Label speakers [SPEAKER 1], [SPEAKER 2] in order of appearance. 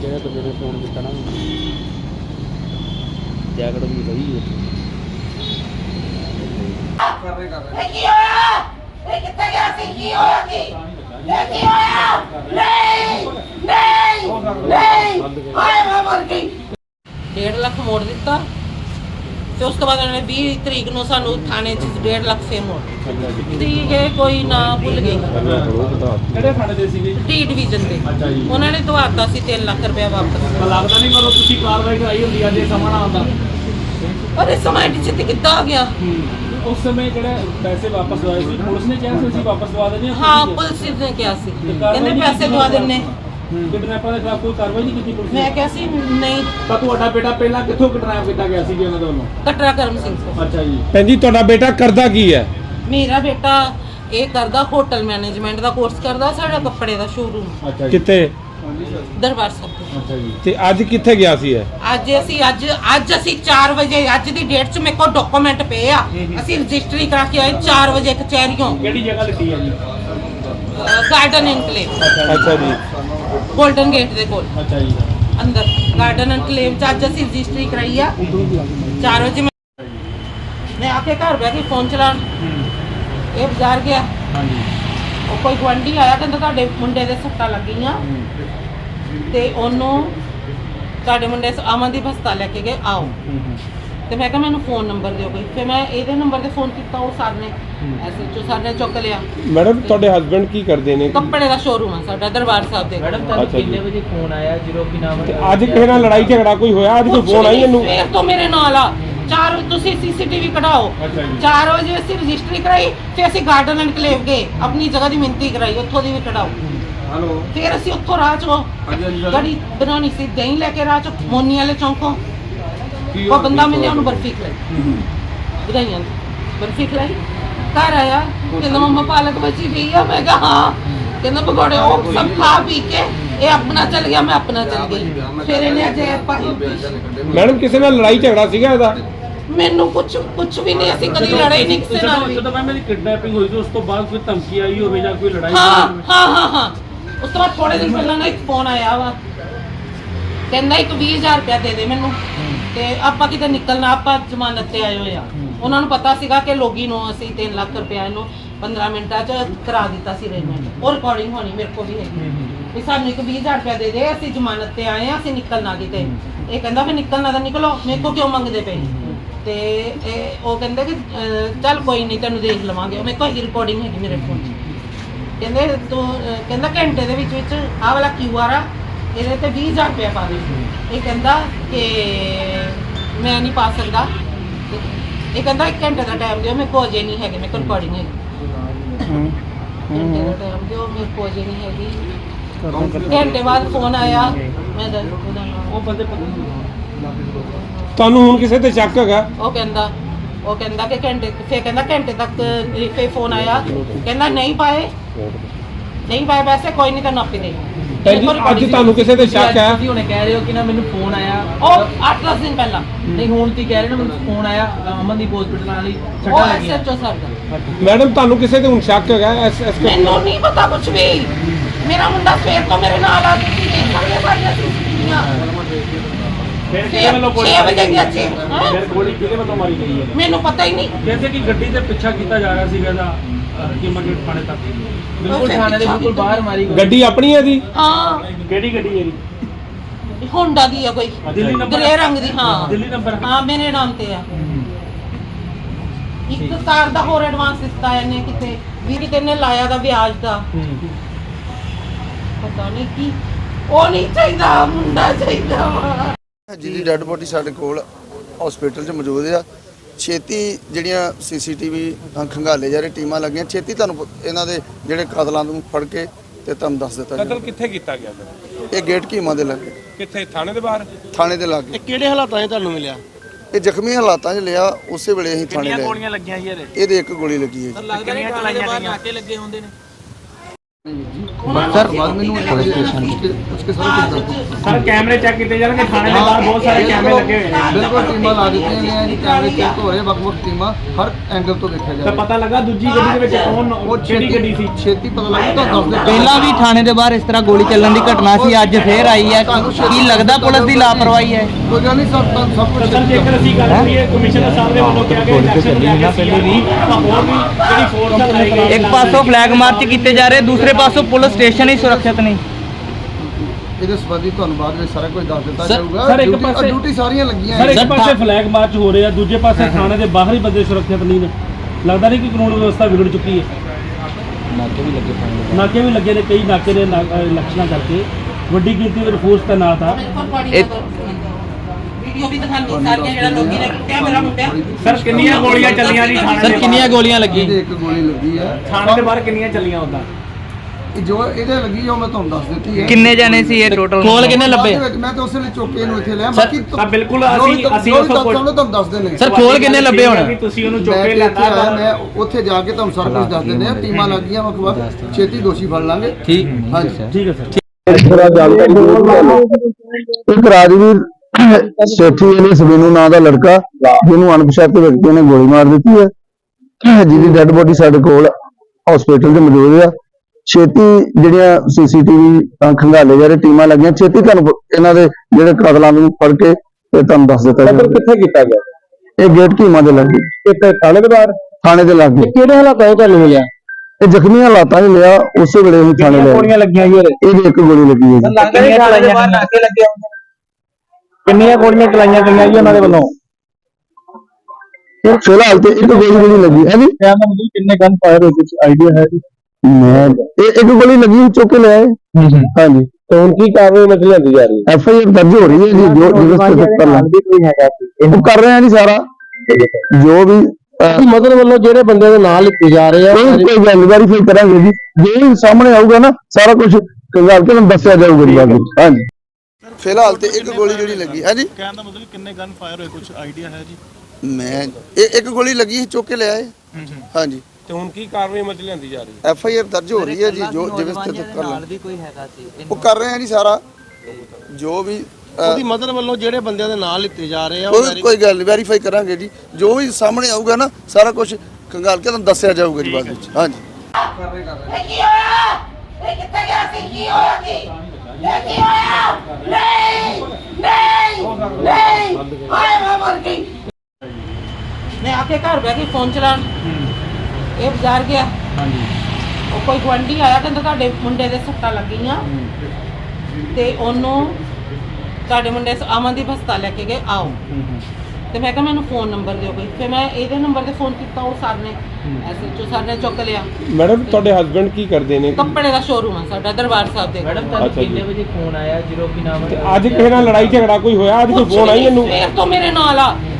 [SPEAKER 1] ਜਿਹੜਾ ਬੰਦੇ ਨੇ ਫੋਨ ਕੀਤਾ ਨਾ ਜੈਕਟ ਵੀ ਸਹੀ ਹੈ।
[SPEAKER 2] ਕੀ ਹੋਇਆ? ਇਹ ਕਿੱਥੇ ਗਿਆ ਸੀ? ਕੀ ਹੋਇਆ ਕੀ? ਇਹ ਕੀ ਹੋਇਆ? ਨਹੀਂ ਨਹੀਂ ਨਹੀਂ ਹਾਏ ਮੈਂ ਮਰ ਗਈ। 1.5 ਲੱਖ ਮੋੜ ਦਿੱਤਾ ਤੇ ਉਸ ਤੋਂ ਬਾਅਦ ਉਹਨੇ 20 ਤਰੀਕ ਨੂੰ ਸਾਨੂੰ ਥਾਣੇ 'ਚ 1.5 ਲੱਖ ਫੇਰ ਮੋੜ ਠੀਕ ਹੈ। ਕੋਈ ਨਾ ਭੁੱਲ ਗਈ।
[SPEAKER 3] ਕਿਹੜੇ ਥਾਣੇ ਦੇ ਸੀਗੇ?
[SPEAKER 2] ਡੀ ਡਿਵੀਜ਼ਨ ਦੇ।
[SPEAKER 3] ਅੱਛਾ ਜੀ।
[SPEAKER 2] ਉਹਨਾਂ ਨੇ ਦਵਾਤਾ ਸੀ 3 ਲੱਖ ਰੁਪਇਆ ਵਾਪਸ।
[SPEAKER 3] ਲੱਗਦਾ ਨਹੀਂ ਕਰੋ ਤੁਸੀਂ ਕਾਰਵਾਈ ਕਰਾਈ ਹੁੰਦੀ ਆ ਜੇ ਸਮਾਂ ਨਾ ਆਉਂਦਾ।
[SPEAKER 2] ਅਰੇ ਸਮਾਂ ਏਡੀ ਛੇਤੀ ਕਿੱਦਾਂ ਆ ਗਿਆ?
[SPEAKER 3] ਉਸ ਸਮੇਂ ਜਿਹੜੇ ਪੈਸੇ ਵਾਪਸ ਦਵਾਏ ਸੀ ਪੁਲਿਸ ਨੇ ਕਿਹਾ ਸੀ ਅਸੀਂ ਵਾਪਸ ਦਵਾ ਦਿੰਦੇ
[SPEAKER 2] ਹਾਂ ਪੁਲਿਸ ਨੇ ਕਿਹਾ ਸੀ ਕਹਿੰਦੇ ਪੈਸੇ ਦਵਾ ਦਿੰਨੇ।
[SPEAKER 3] ਕਿਡਨੈਪਰ ਦੇ ਖਿਲਾਫ ਕੋਈ ਕਾਰਵਾਈ ਨਹੀਂ ਕੀਤੀ ਪੁਲਿਸ ਨੇ?
[SPEAKER 2] ਮੈਂ ਕਿਹਾ ਸੀ ਨਹੀਂ।
[SPEAKER 3] ਤਾਂ ਤੁਹਾਡਾ ਬੇਟਾ ਪਹਿਲਾਂ ਕਿੱਥੋਂ ਕਿਡਨੈਪ ਕੀਤਾ ਗਿਆ ਸੀ ਜੀ ਉਹਨਾਂ ਦੇ ਵੱਲੋਂ?
[SPEAKER 2] ਕਟਰਾ ਕਰਮ ਸਿੰਘ ਤੋਂ।
[SPEAKER 3] ਅੱਛਾ ਜੀ।
[SPEAKER 4] ਭੈਣ ਜੀ ਤੁਹਾਡਾ ਬੇਟਾ ਕਰਦਾ ਕੀ ਹੈ?
[SPEAKER 2] ਮੇਰਾ ਬੇਟਾ ਇਹ ਕਰਦਾ ਹੋਟਲ ਮੈਨੇਜਮੈਂਟ ਦਾ ਕੋਰਸ ਕਰਦਾ। ਸਾਡਾ ਕੱਪੜੇ ਦਾ ਸ਼ੋਰੂਮ
[SPEAKER 3] ਅੱਛਾ ਜੀ।
[SPEAKER 4] ਕਿੱਥੇ?
[SPEAKER 2] ਦਰਬਾਰ ਸਾਹਿਬ।
[SPEAKER 3] ਅੱਛਾ ਜੀ।
[SPEAKER 4] ਤੇ ਅੱਜ ਕਿੱਥੇ ਗਿਆ ਸੀ ਇਹ?
[SPEAKER 2] ਅੱਜ ਅਸੀਂ 4 ਵਜੇ ਅੱਜ ਦੀ ਡੇਟ 'ਚ ਮੇਰੇ ਕੋਲ ਡਾਕੂਮੈਂਟ ਪਏ ਆ। ਅਸੀਂ ਰਜਿਸਟਰੀ ਕਰਾ ਕੇ ਆਏ 4 ਵਜੇ ਕਚਹਿਰੀਓਂ।
[SPEAKER 3] ਕਿਹੜੀ ਜਗ੍ਹਾ ਲਿੱਤੀ ਹੈ ਜੀ?
[SPEAKER 2] Garden enclave.
[SPEAKER 4] ਅੱਛਾ ਜੀ।
[SPEAKER 2] ਗੋਲਡਨ ਗੇਟ ਦੇ ਕੋਲ
[SPEAKER 3] ਅੱਛਾ ਜੀ।
[SPEAKER 2] ਅੰਦਰ ਗਾਰਡਨ ਐਨਕਲੇਵ 'ਚ ਅੱਜ ਅਸੀਂ ਰਜਿਸਟਰੀ ਕਰਾਈ ਆ 4 ਵਜੇ। ਮੈਂ ਆ ਕੇ ਘਰ ਬਹਿ ਕੇ ਫੋਨ ਚਲਾਉਣ ਇਹ ਬਾਜ਼ਾਰ ਗਿਆ।
[SPEAKER 3] ਹਾਂਜੀ।
[SPEAKER 2] ਉਹ ਕੋਈ ਗੁਆਂਢੀ ਆਇਆ ਕਹਿੰਦਾ ਤੁਹਾਡੇ ਮੁੰਡੇ ਦੇ ਸੱਟਾਂ ਲੱਗੀਆਂ ਤੇ ਉਹਨੂੰ ਤੁਹਾਡੇ ਮੁੰਡੇ ਅਮਨਦੀਪ ਹਸਪਤਾਲ ਲੈ ਕੇ ਗਏ ਆਓ। ਤੇ ਮੈਂ ਕਿਹਾ ਮੈਨੂੰ ਫੋਨ ਨੰਬਰ ਦਿਓ ਕੋਈ। ਫਿਰ ਮੈਂ ਇਹਦੇ ਨੰਬਰ ਤੇ ਫੋਨ ਕੀਤਾ। ਉਹ ਸਰ ਨੇ ਐਸਐਚਓ ਸਰ ਨੇ ਚੁੱਕ ਲਿਆ।
[SPEAKER 4] ਮੈਡਮ ਤੁਹਾਡੇ ਹਸਬੰਡ ਕੀ ਕਰਦੇ ਨੇ?
[SPEAKER 2] ਕੱਪੜੇ ਦਾ ਸ਼ੋਰੂਮ ਆ ਸਾਡਾ ਦਰਬਾਰ ਸਾਹਿਬ ਦੇ।
[SPEAKER 1] ਮੈਡਮ ਤੁਹਾਨੂੰ ਕਿੰਨੇ ਵਜੇ ਫੋਨ ਆਇਆ ਜਦੋਂ ਕਿ ਨਾਮ
[SPEAKER 4] ਤੇ ਅੱਜ ਕਿਸੇ ਨਾਲ ਲੜਾਈ ਝਗੜਾ ਕੋਈ ਹੋਇਆ? ਅੱਜ ਕੋਈ ਫੋਨ ਆਈ ਇਹਨੂੰ?
[SPEAKER 2] ਸਵੇਰ ਤੋਂ ਮੇਰੇ ਨਾਲ ਆ 4 ਵਜੇ ਤੁਸੀਂ ਸੀਸੀਟੀਵੀ ਕਢਾਓ। 4 ਵਜੇ ਅਸੀਂ ਰਜਿਸਟਰੀ ਕਰਾਈ ਤੇ ਅਸੀਂ ਗਾਰਡਨ ਐਨਕਲੇਵ ਗਏ ਆਪਣੀ ਜਗ੍ਹਾ ਦੀ ਮਿੰਤੀ ਕਰਾਈ ਉੱਥੋਂ ਦੀ ਵੀ ਕਢਾਓ।
[SPEAKER 3] ਹੈਲੋ।
[SPEAKER 2] ਫਿਰ ਅਸੀਂ ਉੱਥੋਂ ਰਾਹ ਚੋਂ ਗੜੀ ਬਣਾਉਣੀ ਸੀ ਦਹੀਂ ਲੈ ਕੇ ਰਾਹ ਚੋਂ ਮੋਨੀ ਵਾਲੇ ਚੌਂਕੋਂ ਉਹ ਬੰਦਾ ਮਿਲਿਆ ਉਹਨੂੰ ਬਰਫੀ ਖਲਾਈ ਵਧਾਈਆਂ ਬਰਫੀ ਖਲਾਈ। ਘਰ ਆਇਆ ਕਹਿੰਦਾ ਮੰਮਾ ਪਾਲਕ ਬਚੀ ਪਈ ਆ। ਮੈਂ ਕਿਹਾ ਹਾਂ। ਕਹਿੰਦਾ ਪਕੌੜੇ ਉਹ ਸਭ ਖਾ ਪੀ ਕੇ ਇਹ ਆਪਣਾ ਚੱਲ ਗਿਆ ਮੈਂ ਆਪਣਾ ਚੱਲ ਗਈ। ਫਿਰ ਇਹਨੇ ਅਜੇ
[SPEAKER 4] ਮੈਡਮ ਕਿਸੇ ਨਾਲ ਲੜਾਈ ਝਗੜਾ ਸੀਗਾ ਇਹਦਾ?
[SPEAKER 2] ਮੈਨੂੰ ਕੁਝ ਵੀ ਨਹੀਂ। ਅਸੀਂ ਕਦੀ ਲੜਾਈ ਨਹੀਂ ਕਿਸੇ ਨਾਲ ਵੀ।
[SPEAKER 3] ਜਦੋਂ ਮੈਂ ਮੇਰੀ ਕਿਡਨੈਪਿੰਗ ਹੋਈ ਸੀ ਉਸ ਤੋਂ ਬਾਅਦ ਕੋਈ ਧਮਕੀ ਆਈ ਹੋਵੇ ਜਾਂ ਕੋਈ ਲੜਾਈ?
[SPEAKER 2] ਹਾਂ ਉਸ ਤੋਂ ਬਾਅਦ ਥੋੜੇ ਦਿਨ ਪਹਿਲਾਂ ਨਾ ਇੱਕ ਫੋਨ ਆਇਆ ਵਾ ਕਹਿੰਦਾ ਇੱਕ 20,000 ਰੁਪਇਆ ਦੇ ਦੇ ਮੈਨੂੰ ਤੇ ਆਪਾਂ ਕਿਤੇ ਨਿਕਲਣਾ ਆਪਾਂ ਜ਼ਮਾਨਤ ਤੇ ਆਏ ਹੋਏ ਆ। ਉਹਨਾਂ ਨੂੰ ਪਤਾ ਸੀਗਾ ਕਿ ਲੋਗੀ ਨੂੰ ਅਸੀਂ 3 ਲੱਖ ਰੁਪਇਆ ਇਹਨੂੰ 15 ਮਿੰਟਾਂ 'ਚ ਕਰਾ ਦਿੱਤਾ ਸੀ ਅਰੇਂਜਮੈਂਟ। ਉਹ ਰਿਕਾਰਡਿੰਗ ਹੋਣੀ ਮੇਰੇ ਕੋਲ ਵੀ ਹੈਗੀ ਵੀ ਸਾਨੂੰ ਇੱਕ 20,000 ਰੁਪਇਆ ਦੇ ਦੇ ਅਸੀਂ ਜ਼ਮਾਨਤ ਤੇ ਆਏ ਆ ਅਸੀਂ ਨਿਕਲਣਾ ਕਿਤੇ। ਇਹ ਕਹਿੰਦਾ ਫਿਰ ਨਿਕਲਣਾ ਤਾਂ ਨਿਕਲੋ ਮੇਰੇ ਕੋਲ ਕਿਉਂ ਮੰਗਦੇ ਪਏ? ਤੇ ਉਹ ਕਹਿੰਦੇ ਕਿ ਚੱਲ ਕੋਈ ਨਹੀਂ ਤੈਨੂੰ ਦੇਖ ਲਵਾਂਗੇ। ਮੇਰੇ ਕੋਲ ਰਿਕਾਰਡਿੰਗ ਹੈਗੀ ਮੇਰੇ ਫੋਨ 'ਚ। ਕਹਿੰਦੇ ਤੂੰ ਕਹਿੰਦਾ ਘੰਟੇ ਦੇ ਵਿੱਚ ਆਹ ਵਾਲਾ QR ਆ ਇਹਦੇ ਤੇ 20,000 ਰੁਪਇਆ ਪਾ ਦੇ। ਇਹ ਕਹਿੰਦਾ ਕਿ ਮੈਂ ਨਹੀਂ ਪਾ ਸਕਦਾ। ਇਹ ਕਹਿੰਦਾ 1 ਘੰਟੇ ਦਾ ਟਾਈਮ ਦਿਓ ਮੇਰੇ ਕੋਲ ਅਜੇ ਨਹੀਂ ਹੈਗੇ ਮੇਰੇ ਕੋਲ ਰਿਕਾਰਡਿੰਗ ਹੈਗੀ। ਘੰਟੇ ਦਾ ਟਾਈਮ ਦਿਓ ਮੇਰੇ ਕੋਲ ਅਜੇ ਨਹੀਂ ਹੈਗੀ। ਘੰਟੇ ਬਾਅਦ ਫੋਨ ਆਇਆ ਮੈਂ ਉਹਦਾ ਨਾਮ
[SPEAKER 3] ਉਹ ਬੰਦੇ
[SPEAKER 4] ਤੁਹਾਨੂੰ ਹੁਣ ਕਿਸੇ ਤੇ ਸ਼ੱਕ ਹੈਗਾ?
[SPEAKER 2] ਉਹ ਕਹਿੰਦਾ ਕਿ ਘੰਟੇ ਫਿਰ ਕਹਿੰਦਾ ਘੰਟੇ ਤੱਕ ਫੇ ਫੋਨ ਆਇਆ ਕਹਿੰਦਾ ਨਹੀਂ ਪਾਏ ਵੈਸੇ ਕੋਈ ਨਹੀਂ ਤੈਨੂੰ ਆਪੇ ਦੇ।
[SPEAKER 4] ਭੈਣ ਜੀ ਅੱਜ ਤੁਹਾਨੂੰ ਕਿਸੇ ਤੇ ਸ਼ੱਕ ਹੈ?
[SPEAKER 1] ਤੁਸੀਂ ਹੁਣੇ ਕਹਿ ਰਹੇ ਹੋ ਕਿ ਨਾ ਮੈਨੂੰ ਫੋਨ ਆਇਆ
[SPEAKER 2] ਉਹ 8-10 ਦਿਨ ਪਹਿਲਾਂ।
[SPEAKER 1] ਨਹੀਂ ਹੁਣ ਤੁਸੀਂ ਕਹਿ ਰਹੇ ਨਾ ਮੈਨੂੰ ਫੋਨ ਆਇਆ ਅਮਨਦੀਪ ਹਸਪੀਟਲ ਵਾਲੀ
[SPEAKER 2] ਉਹ
[SPEAKER 1] ਛੱਡਾ ਲੱਗੀਆਂ।
[SPEAKER 2] ਐਸਐਚਓ ਸਰ ਦਾ।
[SPEAKER 4] ਮੈਡਮ ਤੁਹਾਨੂੰ ਕਿਸੇ ਤੇ ਹੁਣ ਸ਼ੱਕ ਹੈਗਾ?
[SPEAKER 2] ਮੈਨੂੰ ਨਹੀਂ ਪਤਾ ਕੁਝ ਵੀ। ਮੇਰਾ ਮੁੰਡਾ ਸਵੇਰ ਤੋਂ ਮੇਰੇ ਨਾਲ ਆ। ਤੁਸੀਂ ਦੇਖ ਸਕਦੇ ਸਾਡੀਆਂ ਸੀਸੀਟੀਵੀਆਂ।
[SPEAKER 3] ਫਿਰ ਕਿਹਦੇ ਵੱਲੋਂ ਗੋਲੀ
[SPEAKER 2] 6 ਵਜੇ ਗਿਆ ਸੀ।
[SPEAKER 3] ਫਿਰ ਗੋਲੀ ਕਿਹਦੇ ਵੱਲੋਂ ਮਾਰੀ ਗਈ ਹੈ?
[SPEAKER 2] ਮੈਨੂੰ ਪਤਾ ਹੀ ਨਹੀਂ।
[SPEAKER 3] ਕਹਿੰਦੇ ਕਿ ਗੱਡੀ ਤੇ ਪਿੱਛਾ ਕੀਤਾ ਜਾ ਰਿਹਾ ਸੀਗਾ ਇਹਦਾ ਕੀਮਤ ਥਾਣੇ ਤੱਕ।
[SPEAKER 1] ਬਿਲਕੁਲ ਥਾਣੇ ਦੇ ਬਿਲਕੁਲ ਬਾਹਰ ਮਾਰੀ ਗਈ।
[SPEAKER 4] ਗੱਡੀ ਆਪਣੀ ਹੈ ਜੀ?
[SPEAKER 2] ਹਾਂ
[SPEAKER 3] ਕਿਹੜੀ ਗੱਡੀ ਹੈ ਜੀ?
[SPEAKER 2] ਹੋਂਡਾ ਦੀ ਆ ਕੋਈ
[SPEAKER 3] ਦਿੱਲੀ ਨੰਬਰ?
[SPEAKER 2] ਗ੍ਰੇ ਰੰਗ ਦੀ। ਹਾਂ
[SPEAKER 3] ਦਿੱਲੀ ਨੰਬਰ?
[SPEAKER 2] ਹਾਂ ਮੇਰੇ ਨਾਮ ਤੇ ਆ। ਇੱਕ ਕਾਰ ਦਾ ਹੋਰ ਐਡਵਾਂਸ ਦਿੱਤਾ ਇਹਨੇ ਕਿਤੇ ਵੀ ਕਿਤੇ ਨੇ ਲਾਇਆ ਦਾ ਵਿਆਜ ਦਾ ਪਤਾ ਨਹੀਂ ਕੀ। ਉਹ ਨਹੀਂ ਚਾਹੀਦਾ ਮੁੰਡਾ ਚਾਹੀਦਾ ਵਾ।
[SPEAKER 5] ਜਿਹਦੀ ਡੈੱਡ ਬੋਡੀ ਸਾਡੇ ਕੋਲ ਹਸਪੀਟਲ 'ਚ ਮੌਜੂਦ ਆ। ਛੇਤੀ ਜਿਹੜੀਆਂ CCTV ਖੰਗਾਲੇ ਜਾ ਰਹੇ ਟੀਮਾਂ ਲੱਗੀਆਂ ਛੇਤੀ ਤੁਹਾਨੂੰ ਇਹਨਾਂ ਦੇ ਜਿਹੜੇ ਕਾਤਲਾਂ ਨੂੰ ਫੜ ਕੇ ਤੇ ਤੁਹਾਨੂੰ ਦੱਸ ਦਿੱਤਾ
[SPEAKER 4] ਕਤਲ ਕਿੱਥੇ ਕੀਤਾ ਗਿਆ?
[SPEAKER 5] ਇਹ ਗੇਟ ਕੀਮਾ ਦੇ ਲੱਗੇ
[SPEAKER 4] ਕਿੱਥੇ? ਥਾਣੇ ਦੇ ਬਾਹਰ?
[SPEAKER 5] ਥਾਣੇ ਦੇ ਲਾਗੇ।
[SPEAKER 6] ਕਿਹੜੇ ਹਾਲਾਤਾਂ 'ਚ ਤੁਹਾਨੂੰ ਮਿਲਿਆ?
[SPEAKER 5] ਇਹ ਜ਼ਖਮੀ ਹਾਲਾਤਾਂ 'ਚ ਲਿਆ ਉਸੇ ਵੇਲੇ ਅਸੀਂ ਥਾਣੇ
[SPEAKER 3] ਕਿੰਨੀਆਂ
[SPEAKER 5] ਲਏ।
[SPEAKER 3] ਗੋਲੀਆਂ ਲੱਗੀਆਂ ਜੀ ਇਹਦੇ?
[SPEAKER 5] ਇਹਦੇ ਇੱਕ ਗੋਲੀ ਲੱਗੀ ਹੈ ਜੀ।
[SPEAKER 1] ਲੱਗਦਾ ਨਹੀਂ ਥਾਣੇ ਦੇ ਬਾਹਰ ਨਾਕੇ ਲੱਗੇ ਹੁੰਦੇ ਨੇ।
[SPEAKER 5] ਸਰ ਬਾਅਦ ਮੈਨੂੰ ਪੁਲਿਸ ਸਟੇਸ਼ਨ ਪੁੱਛ ਕੇ ਸਾਰਾ ਕੁਝ ਦੱਸ
[SPEAKER 3] ਸਰ ਕੈਮਰੇ ਚੈੱਕ ਕੀਤੇ ਜਾਣਗੇ ਥਾਣੇ ਦੇ ਬਾਹਰ ਬਹੁਤ ਸਾਰੇ ਕੈਮਰੇ ਲੱਗੇ ਹੋਏ ਨੇ
[SPEAKER 5] ਬਿਲਕੁਲ ਟੀਮਾਂ ਲਾ ਦਿੱਤੀਆਂ ਗਈਆਂ ਜੀ ਕੈਮਰੇ ਚੈੱਕ ਹੋ ਰਹੇ ਵੱਖ-ਵੱਖ ਟੀਮਾਂ ਹਰ ਐਂਗਲ ਤੋਂ ਦੇਖਿਆ ਜਾ
[SPEAKER 3] ਤਾਂ
[SPEAKER 5] ਰਿਹਾ
[SPEAKER 3] ਪਤਾ ਲੱਗਾ ਦੂਜੀ ਗੱਡੀ ਦੇ ਵਿੱਚ ਕੌਣ
[SPEAKER 5] ਉਹ
[SPEAKER 3] ਕਿਹੜੀ ਗੱਡੀ ਸੀ
[SPEAKER 5] ਛੇਤੀ ਪਤਾ ਲੱਗੂ ਤਾਂ ਦੱਸ ਦੇ
[SPEAKER 1] ਪਹਿਲਾਂ ਵੀ ਥਾਣੇ ਦੇ ਬਾਹਰ ਇਸ ਤਰ੍ਹਾਂ ਗੋਲੀ ਚੱਲਣ ਦੀ ਘਟਨਾ ਸੀ, ਅੱਜ ਫੇਰ ਆਈ ਹੈ। ਕੀ ਲੱਗਦਾ ਪੁਲਿਸ ਦੀ ਲਾਪਰਵਾਹੀ ਹੈ?
[SPEAKER 5] ਕੋਈ ਗੱਲ ਨਹੀਂ ਸਭ ਕੁਝ
[SPEAKER 3] ਸਰ ਜੇਕਰ ਅਸੀਂ ਗੱਲ ਕਰੀਏ ਕਮਿਸ਼ਨਰ ਸਾਹਿਬ ਦੇ ਵੱਲੋਂ ਕਿਹਾ ਗਿਆ ਇਲੈਕਸ਼ਨ ਨੂੰ ਲੈ ਕੇ ਪਹਿਲੇ ਵੀ ਤਾਂ ਹੋਰ ਵੀ ਜਿਹੜੀ ਫੋਰਸ ਲਾਈ ਗਈ
[SPEAKER 1] ਇੱਕ ਪਾਸੋਂ ਫਲੈਗ ਮਾਰਚ ਕੀਤੇ ਜਾ ਰਹੇ, ਦੂਸਰੇ ਪਾਸੋਂ ਪੁਲਿਸ ਸਟੇਸ਼ਨ ਹੀ ਸੁਰੱਖਿਅਤ ਨਹੀਂ।
[SPEAKER 5] ਇਹਦੇ ਸੰਬੰਧੀ ਤੁਹਾਨੂੰ ਬਾਅਦ ਵਿੱਚ ਸਾਰਾ ਕੁਝ ਦੱਸ ਦਿੱਤਾ
[SPEAKER 3] ਸਰ,
[SPEAKER 5] ਜਾਊਗਾ
[SPEAKER 3] ਸਰ, ਇੱਕ ਪਾਸੇ-
[SPEAKER 5] ਡਿਊਟੀ ਸਾਰੀਆਂ ਲੱਗੀਆਂ
[SPEAKER 3] ਸਰ
[SPEAKER 5] ਹੈ।
[SPEAKER 3] ਇੱਕ ਪਾਸੇ ਫਲੈਗ ਮਾਰਚ ਹੋ ਰਿਹਾ ਦੂਜੇ ਪਾਸੇ ਥਾਣੇ ਦੇ ਬਾਹਰ ਹੀ ਬੰਦੇ ਸੁਰੱਖਿਅਤ ਨਹੀਂ ਨੇ ਲੱਗਦਾ ਨਹੀਂ ਕਿ ਕਾਨੂੰਨ ਵਿਵਸਥਾ ਵਿਗੜ ਚੁੱਕੀ ਹੈ ਨਾਕੇ ਵੀ ਲੱਗੇ ਨੇ ਕਈ ਨਾਕੇ ਦੇ ਇਲੈਕਸ਼ਨਾਂ ਕਰਕੇ ਵੱਡੀ ਗਿਣਤੀ ਵਿੱਚ ਫੋਰਸ ਤੈਨਾਤ ਆ
[SPEAKER 2] ਵੀਡੀਓ ਵੀ ਦਿਖਾਣੀ ਸਾਰੀਆਂ ਜਿਹੜਾ ਲੋਕੀ ਨੇ ਕਿਹਾ ਮੇਰਾ ਮੁੰਡਾ
[SPEAKER 3] ਸਰ ਕਿੰਨੀਆਂ ਗੋਲੀਆਂ ਚੱਲੀਆਂ ਜੀ ਥਾਣੇ
[SPEAKER 1] ਸਰ ਕਿੰਨੀਆਂ ਗੋਲੀਆਂ ਲੱਗੀ?
[SPEAKER 5] ਇਹਦੇ ਇੱਕ ਗੋਲੀ ਲੱਗੀ ਹੈ
[SPEAKER 3] ਥਾਣੇ ਦੇ ਬਾਹਰ ਕਿੰਨੀਆਂ ਚੱਲੀਆਂ ਹੁੰਦਾ
[SPEAKER 5] ਇਹ ਜੋ ਇਹਦੇ ਲੱਗੀ ਉਹ ਮੈਂ ਤੁਹਾਨੂੰ ਦੱਸ ਦਿੱਤੀ ਹੈ
[SPEAKER 1] ਕਿੰਨੇ ਜਾਣੇ ਸੀ ਇਹ ਟੋਟਲ? ਕੋਲ ਕਿੰਨੇ ਲੱਭੇ?
[SPEAKER 5] ਮੈਂ ਤਾਂ ਉਸੇ ਲਈ ਚੁੱਕੇ ਨੂੰ ਇੱਥੇ ਲਿਆ
[SPEAKER 1] ਸਰ,
[SPEAKER 5] ਬਾਕੀ
[SPEAKER 3] ਤਾਂ ਬਿਲਕੁਲ ਅਸੀਂ
[SPEAKER 5] ਉਸ ਤੋਂ ਤੁਹਾਨੂੰ ਦੱਸ ਦਿੰਦੇ
[SPEAKER 1] ਸਰ ਖੋਲ ਕਿੰਨੇ ਲੱਭੇ ਹੁਣ?
[SPEAKER 3] ਕਿ ਤੁਸੀਂ ਉਹਨੂੰ ਚੁੱਕ
[SPEAKER 5] ਮੈਂ
[SPEAKER 3] ਕੇ
[SPEAKER 5] ਇੱਥੇ ਆਇਆ
[SPEAKER 3] ਲੈਂਦਾ
[SPEAKER 5] ਮੈਂ ਉੱਥੇ ਜਾ ਕੇ ਤੁਹਾਨੂੰ ਸਾਰਾ ਕੁਝ ਦੱਸ ਦਿੰਦੇ ਆ ਟੀਮਾਂ ਲੱਗ ਗਈਆਂ ਵੱਖ-ਵੱਖ ਛੇਤੀ ਦੋਸ਼ੀ ਫੜ ਲਾਂਗੇ
[SPEAKER 1] ਠੀਕ
[SPEAKER 5] ਹਾਂਜੀ
[SPEAKER 3] ਠੀਕ ਹੈ ਸਰ
[SPEAKER 5] ਇੱਕ ਰਾਜਵੀਰ ਸੇਠੀ ਇਹਨੇ ਸਬੀਨੂ ਨਾਂ ਦਾ ਲੜਕਾ ਜਿਹਨੂੰ ਅਣਪਛਾਤੇ ਵਿਅਕਤੀਆਂ ਨੇ ਗੋਲੀ ਮਾਰ ਦਿੱਤੀ ਹੈ ਜਿਹਦੀ ਡੈੱਡ ਬੋਡੀ ਸਾਡੇ ਕੋਲ ਹਸਪੀਟਲ 'ਚ ਮੌਜੂਦ ਆ ਛੇਤੀ ਜਿਹੜੀਆਂ ਸੀਸੀਟੀਵੀ ਖੰਗਾਲੇ ਜਾ ਰਹੇ ਟੀਮਾਂ ਲੱਗੀਆਂ ਛੇਤੀ ਤੁਹਾਨੂੰ ਇਹਨਾਂ ਦੇ ਜਿਹੜੇ ਕਾਤਲਾਂ ਨੂੰ ਫੜ ਕੇ ਤੇ ਤੁਹਾਨੂੰ ਦੱਸ ਦਿੱਤਾ ਜਾਊਗਾ।
[SPEAKER 4] ਕਿੱਥੇ ਕੀਤਾ ਗਿਆ?
[SPEAKER 5] ਇਹ ਗੇਟ ਕੀਮਾ ਦੇ ਲੱਗੇ
[SPEAKER 4] ਕਿੱਥੇ ਥਾਣੇ ਦੇ ਬਾਹਰ?
[SPEAKER 5] ਥਾਣੇ ਦੇ ਲਾਗੇ
[SPEAKER 1] ਕਿਹੜੇ ਹਾਲਾਤਾਂ ਉਹ ਤੁਹਾਨੂੰ ਮਿਲਿਆ?
[SPEAKER 5] ਇਹ ਜ਼ਖਮੀਆਂ ਹਾਲਾਤਾਂ 'ਚ ਲਿਆ ਉਸੇ ਵੇਲੇ ਹੀ ਥਾਣੇ ਲਿਆ
[SPEAKER 1] ਗੋਲੀਆਂ ਲੱਗੀਆਂ ਜੀ ਉਹਦੇ?
[SPEAKER 5] ਇਹਦੀ ਇੱਕ ਗੋਲੀ ਲੱਗੀ ਹੈ ਜੀ
[SPEAKER 1] ਲੱਗਦਾ ਨਹੀਂ ਥਾਣੇ ਦੇ ਬਾਹਰ ਨਾਕੇ ਲੱਗੇ ਹੋਣਗੇ। ਕਿੰਨੀਆਂ ਗੋਲੀਆਂ ਚਲਾਈਆਂ ਗਈਆਂ ਜੀ ਉਹਨਾਂ ਦੇ ਵੱਲੋਂ?
[SPEAKER 5] ਫਿਲਹਾਲ ਤੇ ਇੱਕ ਗੋਲੀ ਲੱਗੀ ਹੈ ਜੀ
[SPEAKER 1] ਕਿੰਨੇ ਗਨ ਫਾਇਰ ਹੋਏ, ਕੁਝ ਆਈਡੀਆ ਹੈ ਜੀ?
[SPEAKER 5] ਮੈਂ ਇਹ ਇੱਕ ਗੋਲੀ ਲੱਗੀ ਚੁੱਕ ਕੇ ਲਿਆਏ ਹਾਂਜੀ
[SPEAKER 4] ਤੇ ਹੁਣ ਕੀ ਕਾਰਵਾਈ ਮਤਲਬ ਲਿਆਂਦੀ ਜਾ ਰਹੀ ਹੈ?
[SPEAKER 5] ਐਫਆਈਆਰ ਦਰਜ ਹੋ ਰਹੀ ਹੈ ਜੀ ਜੋ ਜਿਸ ਤੇ ਕਰ ਲਾਂਗੇ
[SPEAKER 1] ਕੋਈ ਹੈਗਾ ਸੀ
[SPEAKER 5] ਉਹ ਕਰ ਰਹੇ ਆ ਜੀ ਸਾਰਾ ਜੋ ਵੀ
[SPEAKER 4] ਮਦਦ ਵੱਲੋਂ ਜਿਹੜੇ ਬੰਦੇ ਦੇ ਨਾਂ ਲਿਖੇ ਜਾ ਰਹੇ ਆ
[SPEAKER 5] ਕੋਈ ਜਾਣਕਾਰੀ ਫਿਰ ਕਰਾਂਗੇ ਜੀ ਜੋ ਵੀ ਸਾਹਮਣੇ ਆਊਗਾ ਨਾ ਸਾਰਾ ਕੁਝ ਕੰਗਾਲ ਕੇ ਤੁਹਾਨੂੰ ਦੱਸਿਆ ਜਾਊਗਾ ਜੀ ਬਾਅਦ ਵਿੱਚ ਹਾਂਜੀ ਫਿਲਹਾਲ ਤੇ ਇੱਕ ਗੋਲੀ ਜਿਹੜੀ ਲੱਗੀ ਹੈ ਜੀ
[SPEAKER 6] ਕਹਿਣ ਦਾ ਮਤਲਬ ਕਿੰਨੇ ਗਨ ਫਾਇਰ ਹੋਏ ਕੁਝ ਆਈਡੀਆ ਹੈ ਜੀ?
[SPEAKER 5] ਮੈਂ ਇਹ ਇੱਕ ਗੋਲੀ ਲੱਗੀ ਸੀ ਚੁੱਕ ਕੇ ਲਿਆਏ ਹਾਂਜੀ
[SPEAKER 4] ਤੇ ਹੁਣ ਕੀ ਕਾਰਵਾਈ ਮਤਲਬ ਲਿਆਂਦੀ ਜਾ ਰਹੀ ਹੈ?
[SPEAKER 5] ਐਫਆਈਆਰ ਦਰਜ ਹੋ ਰਹੀ ਹੈ ਜੀ ਜੋ ਜਿਸ ਤੇ ਕਰ ਲਾਂਗੇ
[SPEAKER 1] ਵੀ ਕੋਈ ਹੈਗਾ ਸੀ?
[SPEAKER 5] ਉਹ ਕਰ ਰਹੇ ਆ ਜੀ ਸਾਰਾ ਜੋ ਵੀ
[SPEAKER 6] ਉਹਦੀ ਮਦਦ ਵੱਲੋਂ ਜਿਹੜੇ ਬੰਦਿਆਂ ਦੇ ਨਾਂ ਲਿੱਤੇ ਜਾ ਰਹੇ ਆ
[SPEAKER 5] ਕੋਈ ਗੱਲ ਨਹੀਂ ਵੈਰੀਫਾਈ ਕਰਾਂਗੇ ਜੀ ਜੋ ਵੀ ਸਾਹਮਣੇ ਆਊਗਾ ਨਾ ਸਾਰਾ ਕੁਝ ਕੰਗਾਲ ਕੇ ਤੁਹਾਨੂੰ ਦੱਸਿਆ ਜਾਊਗਾ ਜੀ ਬਾਅਦ ਵਿੱਚ ਹਾਂਜੀ
[SPEAKER 2] ਇਹ ਕੀ ਹੋਇਆ? ਇਹ ਕਿੱਥੇ ਗਿਆ ਸੀ? ਕੀ ਹੋਇਆ ਸੀ? ਇਹ ਕੀ ਹੋਇਆ? ਨਹੀਂ ਹਾਏ ਮੈਂ ਮਰ ਗਈ। ਮੈਂ ਆਕੇ ਘਰ ਬੈ ਕੇ ਫੋਨ ਚਲਾਣ ਇਹ ਬਾਜ਼ਾਰ ਗਿਆ ਉਹ ਕੋਈ ਗੁਆਂਢੀ ਆਇਆ ਕਹਿੰਦਾ ਤੁਹਾਡੇ ਮੁੰਡੇ ਦੇ ਸੱਟਾਂ ਲੱਗੀਆਂ ਤੇ ਉਹਨੂੰ ਤੁਹਾਡੇ ਮੁੰਡੇ ਅਮਨਦੀਪ ਹਸਪਤਾਲ ਲੈ ਕੇ ਗਏ ਆਓ ਤੇ ਮੈਂ ਕਿਹਾ ਮੈਨੂੰ ਫੋਨ ਨੰਬਰ ਦਿਓ ਕੋਈ ਫਿਰ ਮੈਂ ਇਹਦੇ ਨੰਬਰ ਤੇ ਫੋਨ ਕੀਤਾ ਉਹ ਸਰ ਨੇ ਐਸਐਚਓ ਸਰ ਨੇ ਚੁੱਕ ਲਿਆ।
[SPEAKER 4] ਮੈਡਮ ਤੁਹਾਡੇ ਹਸਬੰਡ ਕੀ ਕਰਦੇ ਨੇ?
[SPEAKER 2] ਕੱਪੜੇ ਦਾ ਸ਼ੋਰੂਮ ਆ ਸਾਡਾ ਦਰਬਾਰ ਸਾਹਿਬ ਦੇ
[SPEAKER 1] ਮੈਡਮ ਤੁਹਾਨੂੰ ਕਿੰਨੇ ਵਜੇ ਫੋਨ ਆਇਆ? 0 ਕੀ ਨਾਮ
[SPEAKER 4] ਅੱਜ ਕਿਸੇ ਨਾਲ ਲੜਾਈ ਝਗੜਾ ਕੋਈ ਹੋਇਆ? ਅੱਜ ਕੋਈ ਫੋਨ ਆਈ ਇਹਨੂੰ?
[SPEAKER 2] ਸਵੇਰ ਤੋਂ ਮੇਰੇ ਨਾਲ ਆ